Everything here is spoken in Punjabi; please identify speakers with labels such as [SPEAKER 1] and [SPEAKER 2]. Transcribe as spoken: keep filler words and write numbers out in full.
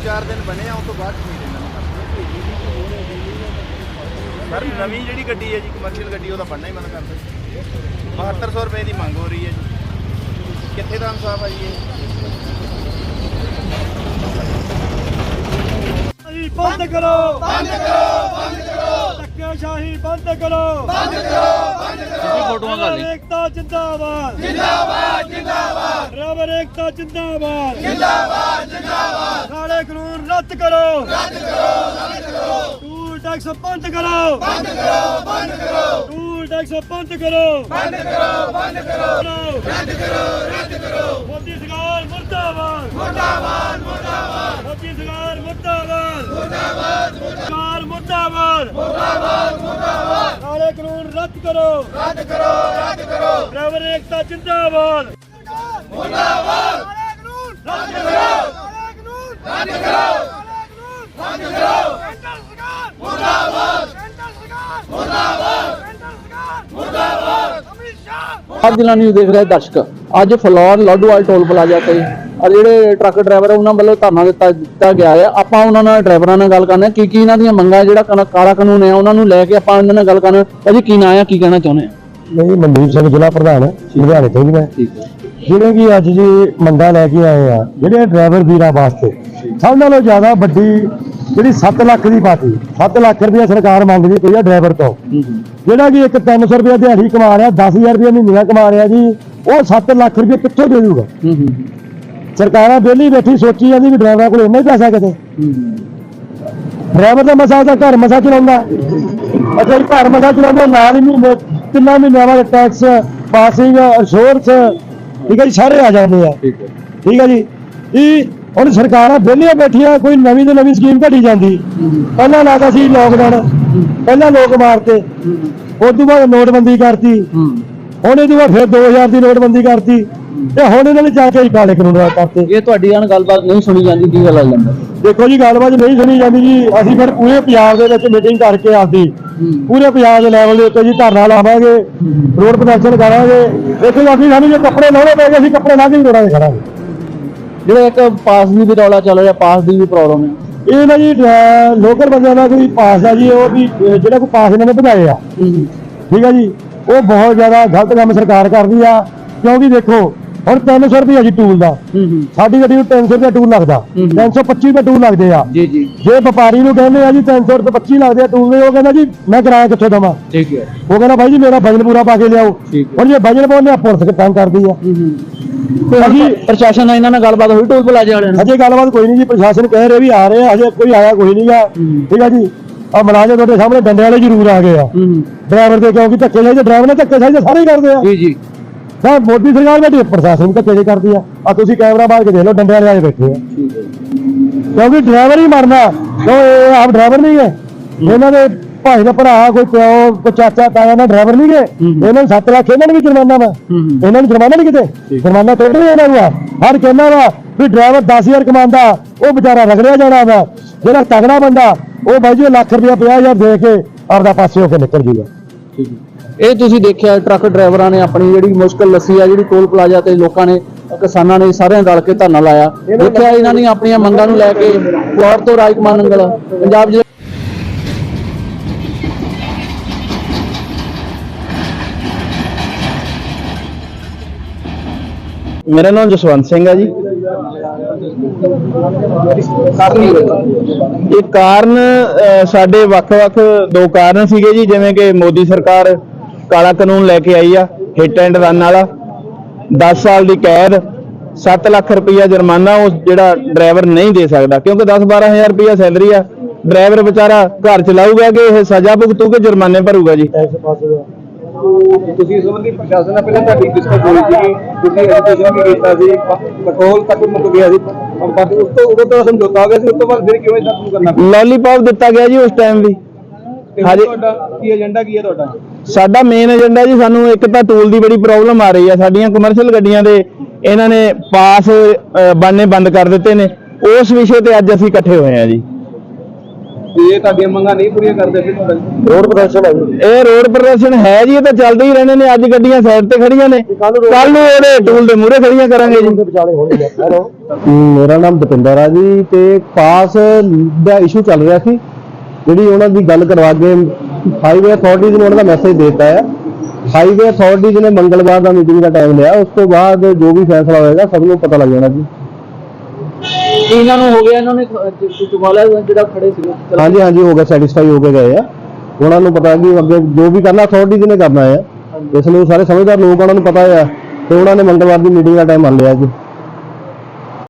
[SPEAKER 1] चार दिन बने उस तो बाद सर नवी जी गड्डी है जी कमर्शियल गड्डी वो बनना ही मन करते बहत्तर सौ रुपए की मंग हो रही है जी कितने का इंसाफ है जी
[SPEAKER 2] बंद करो बंद करो बंद करो धक्केशाही बंद करो बंद करो बंद करो फोटोआं कर ली एकता जिंदाबाद जिंदाबाद जिंदाबाद ड्राइवर एकता जिंदाबाद जिंदाबाद जिंदाबाद काले कानून रद्द करो रद्द करो रद्द करो टूल टैक्स बंद करो बंद करो बंद करो टूल टैक्स बंद करो बंद करो बंद करो रद्द करो रद्द करो मोदी सरकार मुर्दाबाद मुर्दाबाद मुर्दाबाद मोदी सरकार मुर्दाबाद मुर्दाबाद सरकार मुर्दाबाद मुर्दाबाद मुर्दाबाद काले कानून रद्द करो रद्द करो रद्द करो ड्राइवर एकता जिंदाबाद मुर्दाबाद काले कानून रद्द करो काले कानून रद्द करो काले कानून रद्द करो सेंटर सरकार मुर्दाबाद सेंटर सरकार मुर्दाबाद सेंटर सरकार मुर्दाबाद अमित शाह
[SPEAKER 3] ਅੱਜ ਦਿਨਾਂ ਨੂੰ ਦੇਖ ਰਹੇ ਦਰਸ਼ਕ ਅੱਜ ਫਲੋਰ ਲੋਡੋਵਾਲ ਟੋਲ ਪਲਾਜ਼ਾ ਤੇ ਔਰ ਜਿਹੜੇ ਟਰੱਕ ਡਰਾਈਵਰ ਉਹਨਾਂ ਵੱਲੋਂ ਧਰਨਾ ਦਿੱਤਾ ਦਿੱਤਾ ਗਿਆ ਹੈ ਆਪਾਂ ਉਹਨਾਂ ਨਾਲ ਡਰਾਈਵਰਾਂ ਨਾਲ ਗੱਲ ਕਰਨਾ ਕੀ ਕੀ ਇਹਨਾਂ ਦੀਆਂ ਮੰਗਾਂ ਜਿਹੜਾ ਕਾਲਾ ਕਾਨੂੰਨ ਹੈ ਉਹਨਾਂ ਨੂੰ ਲੈ ਕੇ ਆਪਾਂ ਇਹਨਾਂ ਨਾਲ ਗੱਲ ਕਰਨਾ ਭਾਜੀ ਕੀ ਨਾਂ ਹੈ ਕੀ ਕਹਿਣਾ ਚਾਹੁੰਦੇ ਆ
[SPEAKER 2] ਨਹੀਂ ਮਨਦੀਪ ਸਿੰਘ ਜ਼ਿਲ੍ਹਾ ਪ੍ਰਧਾਨ ਲੁਧਿਆਣੇ ਤੋਂ ਜੀ ਮੈਂ
[SPEAKER 3] ਠੀਕ ਹੈ
[SPEAKER 2] ਜਿਹੜੇ ਕਿ ਅੱਜ ਜੀ ਮੰਗਾਂ ਲੈ ਕੇ ਆਏ ਆ ਜਿਹੜੇ ਡਰਾਈਵਰ ਵੀਰਾਂ ਵਾਸਤੇ ਸਭ ਨਾਲੋਂ ਜ਼ਿਆਦਾ ਵੱਡੀ ਜਿਹੜੀ ਸੱਤ ਲੱਖ ਦੀ ਪਾਤੀ ਸੱਤ ਲੱਖ ਰੁਪਇਆ ਸਰਕਾਰ ਮੰਗਦੀ ਪਈ ਆ ਡਰਾਈਵਰ ਤੋਂ ਜਿਹੜਾ ਕਿ ਇੱਕ ਤਿੰਨ ਸੌ ਰੁਪਇਆ ਦਿਹਾੜੀ ਕਮਾ ਰਿਹਾ ਦਸ ਹਜ਼ਾਰ ਰੁਪਇਆ ਮਹੀਨਾ ਕਮਾ ਰਿਹਾ ਜੀ ਉਹ ਸੱਤ ਲੱਖ ਰੁਪਇਆ ਕਿੱਥੋਂ ਦੇ ਦੂਗਾ ਸਰਕਾਰਾਂ ਵਿਹਲੀ ਬੈਠੀ ਸੋਚੀ ਜਾਂਦੀ ਵੀ ਡਰਾਈਵਰਾਂ ਕੋਲ ਇੰਨਾ ਹੀ ਪੈਸਾ ਕਿਤੇ ਡਰਾਈਵਰ ਦਾ ਮਸਾ ਦਾ ਘਰ ਮਸਾ ਚਲਾਉਂਦਾ ਅੱਛਾ ਜੀ ਘਰ ਮਸਾ ਚਲਾਉਂਦਾ ਨਾਲ ਹੀ ਮਹੀਨੇ ਤਿੰਨਾਂ ਮਹੀਨਿਆਂ ਬਾਅਦ ਟੈਕਸ ਪਾਸਿੰਗ ਇੰਸ਼ੋਰੈਂਸ ਠੀਕ ਹੈ ਜੀ ਸਾਰੇ ਆ ਜਾਂਦੇ ਆ ਠੀਕ ਹੈ ਜੀ ਇਹ ਹੁਣ ਸਰਕਾਰਾਂ ਵਿਹਲੀਆਂ ਬੈਠੀਆਂ ਕੋਈ ਨਵੀਂ ਤੋਂ ਨਵੀਂ ਸਕੀਮ ਘੜੀ ਜਾਂਦੀ ਪਹਿਲਾਂ ਲੱਗਦਾ ਸੀ ਲੋਕਡਾਊਨ ਪਹਿਲਾਂ ਲੋਕ ਮਾਰਤੇ ਉਸ ਤੋਂ ਬਾਅਦ ਨੋਟਬੰਦੀ ਕਰਤੀ ਹੁਣ ਇਹਦੇ ਬਾਅਦ ਫਿਰ ਦੋ ਹਜ਼ਾਰ ਦੀ ਨੋਟਬੰਦੀ ਕਰਤੀ ਤੇ ਹੁਣ ਇਹਨਾਂ ਨੇ ਜਾ ਕੇ ਕਾਲੇ ਕਾਨੂੰਨ ਕਰਤੇ
[SPEAKER 3] ਇਹ ਤੁਹਾਡੀ ਨਾਲ ਗੱਲਬਾਤ ਨਹੀਂ ਸੁਣੀ ਜਾਂਦੀ ਕੀ ਗੱਲ ਆ ਜਾਂਦਾ
[SPEAKER 2] ਦੇਖੋ ਜੀ ਗੱਲਬਾਤ ਨਹੀਂ ਸੁਣੀ ਜਾਂਦੀ ਜੀ ਅਸੀਂ ਫਿਰ ਪੂਰੇ ਪੰਜਾਬ ਦੇ ਵਿੱਚ ਮੀਟਿੰਗ ਕਰਕੇ ਆਪਦੀ ਪੂਰੇ ਪੰਜਾਬ ਦੇ ਲੈਵਲ ਦੇ ਉੱਤੇ ਜੀ ਧਰਨਾ ਲਾਵਾਂਗੇ ਰੋਡ ਪ੍ਰਦਰਸ਼ਨ ਕਰਾਂਗੇ ਦੇਖੋ ਅਸੀਂ ਸਾਨੂੰ ਜੇ ਕੱਪੜੇ ਲਾਉਣੇ ਪੈ ਗਏ ਅਸੀਂ ਕੱਪੜੇ ਲਾ ਕੇ ਹੀ ਰੋਡਾਂ 'ਤੇ ਖੜਾਂਗੇ
[SPEAKER 3] ਜਿਹੜਾ ਇੱਕ ਪਾਸ ਦੀ ਵੀ ਰੌਲਾ ਚੱਲ ਰਿਹਾ ਪਾਸ ਦੀ ਵੀ ਪ੍ਰੋਬਲਮ ਹੈ
[SPEAKER 2] ਇਹ ਨਾ ਜੀ ਲੋਕਲ ਬੰਦਿਆਂ ਦਾ ਕੋਈ ਪਾਸ ਆ ਜੀ ਉਹ ਵੀ ਜਿਹੜਾ ਕੋਈ ਪਾਸ ਇਹਨਾਂ ਨੇ ਵਧਾਏ ਆ ਠੀਕ ਆ ਜੀ ਉਹ ਬਹੁਤ ਜ਼ਿਆਦਾ ਗਲਤ ਕੰਮ ਸਰਕਾਰ ਕਰਦੀ ਆ ਕਿਉਂਕਿ ਦੇਖੋ ਹੁਣ ਤਿੰਨ ਸੌ ਰੁਪਏ ਜੀ ਟੂਲ ਦਾ ਸਾਡੀ ਗੱਡੀ ਨੂੰ ਤਿੰਨ ਸੌ ਰੁਪਏ ਟੂਲ ਲੱਗਦਾ ਤਿੰਨ ਸੌ ਪੱਚੀ ਰੁਪਏ ਟੂਲ ਲੱਗਦੇ ਆ
[SPEAKER 3] ਜੀ ਜੀ
[SPEAKER 2] ਜੇ ਵਪਾਰੀ ਨੂੰ ਕਹਿੰਦੇ ਆ ਜੀ ਤਿੰਨ ਸੌ ਰੁਪਏ ਪੱਚੀ ਲੱਗਦੇ ਆ ਟੂਲ ਦੇ ਉਹ ਕਹਿੰਦਾ ਜੀ ਮੈਂ ਕਿਰਾਇਆ ਕਿੱਥੋਂ ਦੇਵਾਂ
[SPEAKER 3] ਠੀਕ ਹੈ
[SPEAKER 2] ਉਹ ਕਹਿੰਦਾ ਬਾਈ ਜੀ ਮੇਰਾ ਵਜਨ ਪੂਰਾ ਪਾ ਕੇ ਲਿਆਓ ਹੁਣ ਜੇ ਵਜਨ ਪਾਉਂਦੇ ਆ ਪੁਲਿਸ ਤੰਗ ਕਰਦੀ ਆ
[SPEAKER 3] ਅਸੀਂ ਪ੍ਰਸ਼ਾਸਨ ਨਾਲ ਇਹਨਾਂ ਨਾਲ ਗੱਲਬਾਤ ਹੋਈ ਟੋਲ ਪਲਾਜ਼ਾ ਵਾਲਿਆਂ ਨਾਲ
[SPEAKER 2] ਅਜੇ ਗੱਲਬਾਤ ਕੋਈ ਨਹੀਂ ਜੀ ਪ੍ਰਸ਼ਾਸਨ ਕਹਿ ਰਿਹਾ ਵੀ ਆ ਰਹੇ ਆ ਹਜੇ ਕੋਈ ਆਇਆ ਕੋਈ ਨਹੀਂਗਾ ਠੀਕ ਆ ਜੀ ਆ ਮੁਲਾਜ਼ਮ ਤੁਹਾਡੇ ਸਾਹਮਣੇ ਡੰਡੇ ਵਾਲੇ ਜ਼ਰੂਰ ਆ ਗਏ ਆ ਡਰਾਈਵਰ ਦੇ ਕਿਉਂਕਿ ਧੱਕੇ ਸਾਈ ਡਰਾਈਵਰ ਨੇ ਧੱਕੇ ਸਾਈ ਸਾਰੇ ਕਰਦੇ ਆ ਜੀ ਜੀ ਸਰ ਮੋਦੀ ਸਰਕਾਰ ਬੈਠੀ ਪ੍ਰਸ਼ਾਸਨ ਧੱਕੇ ਜੇ ਕਰਦੀ ਆ ਆ ਤੁਸੀਂ ਕੈਮਰਾ ਬਾਹਰ ਕੇ ਦੇਖ ਲਓ ਡੰਡੇ ਵਾਲੇ ਆਏ ਬੈਠੇ ਆ ਕਿਉਂਕਿ ਡਰਾਈਵਰ ਹੀ ਮਰਨਾ ਕਿਉਂ ਇਹ ਆਪ ਡਰਾਈਵਰ ਨਹੀਂ ਹੈ ਇਹਨਾਂ ਦੇ ਭਾਈ ਦਾ ਭਰਾ ਕੋਈ ਪਿਓ ਕੋਈ ਚਾਚਾ ਤਾਇਆ ਨਾਲ ਡਰਾਈਵਰ ਨਹੀਂ ਗਏ ਇਹਨਾਂ ਨੂੰ ਸੱਤ ਲੱਖ ਇਹਨਾਂ ਨੂੰ ਵੀ ਜੁਰਮਾਨਾ ਵਾ ਇਹਨਾਂ ਨੂੰ ਜੁਰਮਾਨਾ ਨਹੀਂ ਕਿਤੇ ਜੁਰਮਾਨਾ ਥੋੜੀ ਇਹਨਾਂ ਨੂੰ ਆ ਹਰ ਕਹਿੰਦਾ ਵਾ ਵੀ ਡਰਾਈਵਰ ਦਸ ਹਜ਼ਾਰ ਕਮਾਉਂਦਾ ਉਹ ਵਿਚਾਰਾ ਰਗੜਿਆ ਜਾਣਾ ਵਾ ਜਿਹੜਾ ਤਗੜਾ ਬੰਦਾ ਉਹ ਬਾਈ ਜੀ ਲੱਖ ਰੁਪਇਆ ਪੰਜਾਹ ਹਜ਼ਾਰ ਦੇ ਕੇ ਆਪਦਾ ਪਾਸੇ ਹੋ ਕੇ ਨਿਕਲ ਜੂਗਾ
[SPEAKER 3] ਇਹ ਤੁਸੀਂ ਦੇਖਿਆ ਟਰੱਕ ਡਰਾਈਵਰਾਂ ਨੇ ਆਪਣੀ ਜਿਹੜੀ ਮੁਸ਼ਕਲ ਲੱਸੀ ਆ ਜਿਹੜੀ ਟੋਲ ਪਲਾਜ਼ਾ ਤੇ ਲੋਕਾਂ ਨੇ ਕਿਸਾਨਾਂ ਨੇ ਸਾਰਿਆਂ ਰਲ ਕੇ ਧਰਨਾ ਲਾਇਆ ਦੇਖਿਆ ਇਹਨਾਂ ਨੇ ਆਪਣੀਆਂ ਮੰਗਾਂ ਨੂੰ ਲੈ ਕੇ ਫਲੋਰ ਤੋਂ ਰਾਜਕੁਮਾਰ ਨੰਗਲ ਪੰਜਾਬ ਜ਼ਿਲ੍ਹੇ
[SPEAKER 1] मेरा नाम जसवंत सिंह है जी ਇਹ ਕਾਰਨ ਸਾਡੇ ਵੱਖ-ਵੱਖ ਦੋ ਕਾਰਨ ਸੀਗੇ ਜੀ ਜਿਵੇਂ ਕਿ ਮੋਦੀ ਸਰਕਾਰ ਕਾਲਾ ਕਾਨੂੰਨ ਲੈ ਕੇ ਆਈ ਆ ਹਿੱਟ ਐਂਡ ਰਨ ਵਾਲਾ ਦਸ ਸਾਲ ਦੀ ਕੈਦ ਸੱਤ ਲੱਖ ਰੁਪਇਆ ਜੁਰਮਾਨਾ ਉਹ ਜਿਹੜਾ ਡਰਾਈਵਰ ਨਹੀਂ ਦੇ ਸਕਦਾ ਕਿਉਂਕਿ ਦਸ ਬਾਰਾਂ ਹਜ਼ਾਰ ਰੁਪਇਆ ਸੈਲਰੀ ਆ ਡਰਾਈਵਰ ਵਿਚਾਰਾ ਘਰ ਚਲਾਊਗਾ ਕਿ ਇਹ ਸਜ਼ਾ ਭੁਗਤੂ ਕਿ ਜੁਰਮਾਨੇ ਭਰੂਗਾ ਜੀ ਤੁਸੀਂ ਸੰਬੰਧੀ ਪ੍ਰਸ਼ਾਸਨ ਨਾਲ ਪਹਿਲਾਂ ਤੁਹਾਡੀ ਡਿਸਕਸ ਹੋਈ ਸੀ ਤੁਸੀਂ ਐਜੂਕੇਸ਼ਨ ਵੀ ਕੀਤਾ ਸੀ ਪੈਟਰੋਲ ਤੱਕ ਮੁੱਕ ਗਿਆ ਸੀ ਪਰ ਉਸ ਤੋਂ ਉਦੋਂ ਤਾਂ ਸਮਝੌਤਾ ਹੋ ਗਿਆ ਸੀ ਉਸ ਤੋਂ ਬਾਅਦ ਫਿਰ ਕਿਵੇਂ ਸ਼ੁਰੂ ਕਰਨਾ ਲੋਲੀਪੌਪ ਦਿੱਤਾ ਗਿਆ ਜੀ ਉਸ ਟਾਈਮ ਵੀ ਹਾਂਜੀ ਤੁਹਾਡਾ ਕੀ ਏਜੰਡਾ ਕੀ ਹੈ ਤੁਹਾਡਾ ਸਾਡਾ ਮੇਨ ਏਜੰਡਾ ਜੀ ਸਾਨੂੰ ਇੱਕ ਤਾਂ ਟੂਲ ਦੀ ਬੜੀ ਪ੍ਰੋਬਲਮ ਆ ਰਹੀ ਆ ਸਾਡੀਆਂ ਕਮਰਸ਼ੀਅਲ ਗੱਡੀਆਂ ਦੇ ਇਹਨਾਂ ਨੇ ਪਾਸ ਬਣਨੇ ਬੰਦ ਕਰ ਦਿੱਤੇ ਨੇ ਉਸ ਵਿਸ਼ੇ ਤੇ ਅੱਜ ਅਸੀਂ ਇਕੱਠੇ ਹੋਏ ਆ ਜੀ
[SPEAKER 3] ਇਹ ਤੁਹਾਡੀਆਂ ਮੰਗਾਂ ਨਹੀਂ ਪੂਰੀਆਂ ਕਰਦੇ ਫਿਰ
[SPEAKER 1] ਰੋਡ ਪ੍ਰਦਰਸ਼ਨ ਹੈ ਇਹ ਰੋਡ ਪ੍ਰਦਰਸ਼ਨ ਹੈ ਜੀ, ਇਹ ਤਾਂ ਚੱਲਦੇ ਹੀ ਰਹਿਣੇ ਨੇ। ਅੱਜ ਗੱਡੀਆਂ ਸਾਈਡ ਤੇ ਖੜੀਆਂ ਨੇ, ਕੱਲ ਨੂੰ ਇਹਦੇ ਟੂਲ ਦੇ ਮੂਹਰੇ ਖੜੀਆਂ ਕਰਾਂਗੇ ਜੀ।
[SPEAKER 3] ਮੇਰਾ ਨਾਮ ਦਪਿੰਦਰ ਆ ਜੀ, ਤੇ ਪਾਸ ਦਾ ਇਸ਼ੂ ਚੱਲ ਰਿਹਾ ਸੀ, ਜਿਹੜੀ ਉਹਨਾਂ ਦੀ ਗੱਲ ਕਰਵਾ ਕੇ ਹਾਈਵੇ ਅਥਾਰਟੀਜ਼ ਨੂੰ ਉਹਨਾਂ ਦਾ ਮੈਸੇਜ ਦਿੱਤਾ ਹੈ। ਹਾਈਵੇ ਅਥਾਰਟੀਜ਼ ਨੇ ਮੰਗਲਵਾਰ ਦਾ ਮੀਟਿੰਗ ਦਾ ਟਾਈਮ ਲਿਆ, ਉਸ ਤੋਂ ਬਾਅਦ ਜੋ ਵੀ ਫੈਸਲਾ ਹੋਏਗਾ ਸਭ ਨੂੰ ਪਤਾ ਲੱਗ ਜਾਣਾ ਜੀ।
[SPEAKER 4] ਇਹਨਾਂ ਨੂੰ ਹੋ ਗਿਆ, ਇਹਨਾਂ ਨੇ ਚੁਕਾ ਲਿਆ ਜਿਹੜਾ ਖੜੇ ਸੀਗੇ।
[SPEAKER 3] ਹਾਂਜੀ ਹਾਂਜੀ ਹੋ ਗਿਆ, ਸੈਟੀਸਫਾਈ ਹੋ ਕੇ ਗਏ ਆ। ਉਹਨਾਂ ਨੂੰ ਪਤਾ ਕਿ ਅੱਗੇ ਜੋ ਵੀ ਕਰਨਾ ਅਥਾਰਟੀਜ਼ ਨੇ ਕਰਨਾ ਹੈ, ਇਸ ਲਈ ਸਾਰੇ ਸਮਝਦਾਰ ਲੋਕ ਉਹਨਾਂ ਨੂੰ ਪਤਾ ਹੈ, ਤੇ ਉਹਨਾਂ ਨੇ ਮੰਗਲਵਾਰ ਦੀ ਮੀਟਿੰਗ ਦਾ ਟਾਈਮ ਮੰਨ ਲਿਆ ਜੀ।